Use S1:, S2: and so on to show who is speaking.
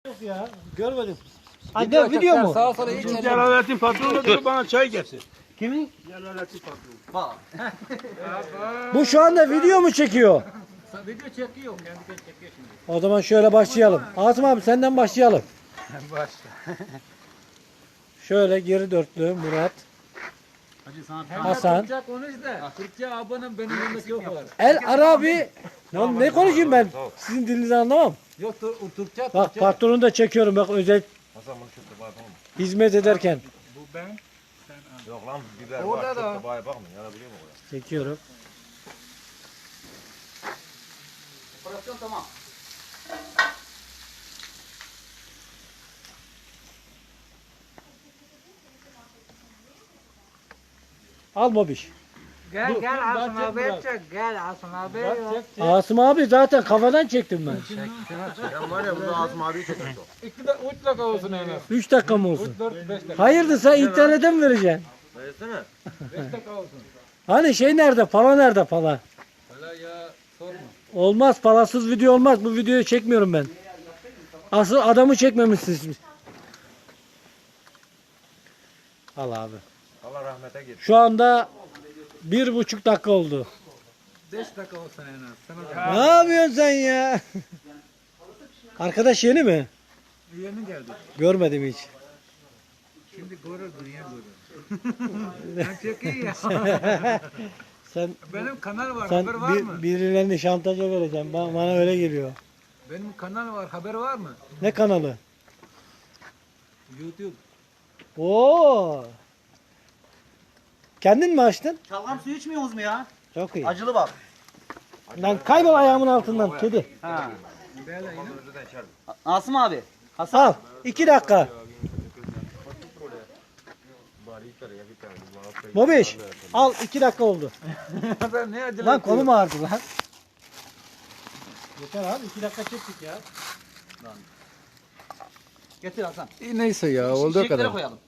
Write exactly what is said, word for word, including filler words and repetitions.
S1: Yok ya görmedim. Anne video mu?
S2: Sağa sola hiç
S3: Celalettin patronu diyor bana çay getir.
S1: Kimin?
S3: Celalettin patronu.
S2: bak.
S1: Bu şu anda video mu çekiyor?
S2: Video çekiyor. Kendi kendine çekiyor şimdi.
S1: O zaman şöyle başlayalım. Asım abi senden başlayalım.
S3: Başla.
S1: Şöyle geri dörtlü Murat.
S2: Hacı sana
S1: Hasan.
S2: Türkçe konuş da. Türkçe abonem benim yanımda yok var.
S1: El Arabi. Lan ne konuşayım ben? Sizin dilinizi anlamam.
S2: Yok Tur- Türkçe.
S1: Bak
S2: Türkçe.
S1: patronu da çekiyorum bak özel
S4: Hasan bunu çok da bakma.
S1: hizmet ederken.
S2: Bu ben.
S4: Yok lan biber
S2: Orada
S4: var çok
S2: da.
S4: da baya bakma yanabiliyor mu oraya?
S1: Çekiyorum.
S2: Operasyon tamam.
S1: Al Mobiş.
S5: Gel
S1: Dur,
S5: gel
S1: dur,
S5: Asım
S1: ben
S5: abi
S1: çek
S5: çek. Gel Asım abi.
S1: Asım abi zaten kafadan çektim ben.
S4: Sen var ya burada Azim abiyi çeker o.
S2: İki de üç dakika olsun en az.
S1: üç dakika mı olsun?
S2: dört beş dakika.
S1: Hayırdır sen internete mi vereceksin?
S4: Versene.
S2: beş dakika olsun.
S1: Hani şey nerede? Pala nerede pala?
S2: Hala ya sorma.
S1: Olmaz palasız video olmaz. Bu videoyu çekmiyorum ben. Asıl adamı çekmemişsiniz. Al abi.
S4: Allah rahmete git.
S1: Şu anda bir buçuk dakika oldu.
S2: beş dakika olsun en az. Sana da.
S1: Ne yapıyorsun sen ya? Arkadaş yeni mi?
S2: Yeni geldi.
S1: Görmedim hiç.
S2: Şimdi görür dünya görür. Ben çok iyi ya.
S1: Sen
S2: Benim kanal var.
S1: sen
S2: haber var
S1: bir,
S2: mı?
S1: birilerini şantaja vereceksin. Bana, bana öyle geliyor.
S2: Benim kanal var. Haber var mı?
S1: Ne kanalı?
S2: YouTube.
S1: Oo. Kendin mi açtın?
S5: Şalgam suyu içmiyorsunuz mu ya?
S1: Çok iyi.
S5: Acılı bak.
S1: Lan kaybol ayağımın altından kedi.
S5: Ha.
S2: Böyle yine.
S4: Önceden içerim.
S5: Asım abi.
S1: Al. iki dakika.
S4: Bari içer ya bir tane.
S1: Bobiş. Al iki dakika oldu.
S2: Ben ne acele
S1: Lan kolum ağrıdı lan. Yeter abi iki dakika çektik ya.
S5: Getir Hasan.
S2: Neyse ya olduğu
S5: Şişeklere
S2: kadar.
S5: koyalım.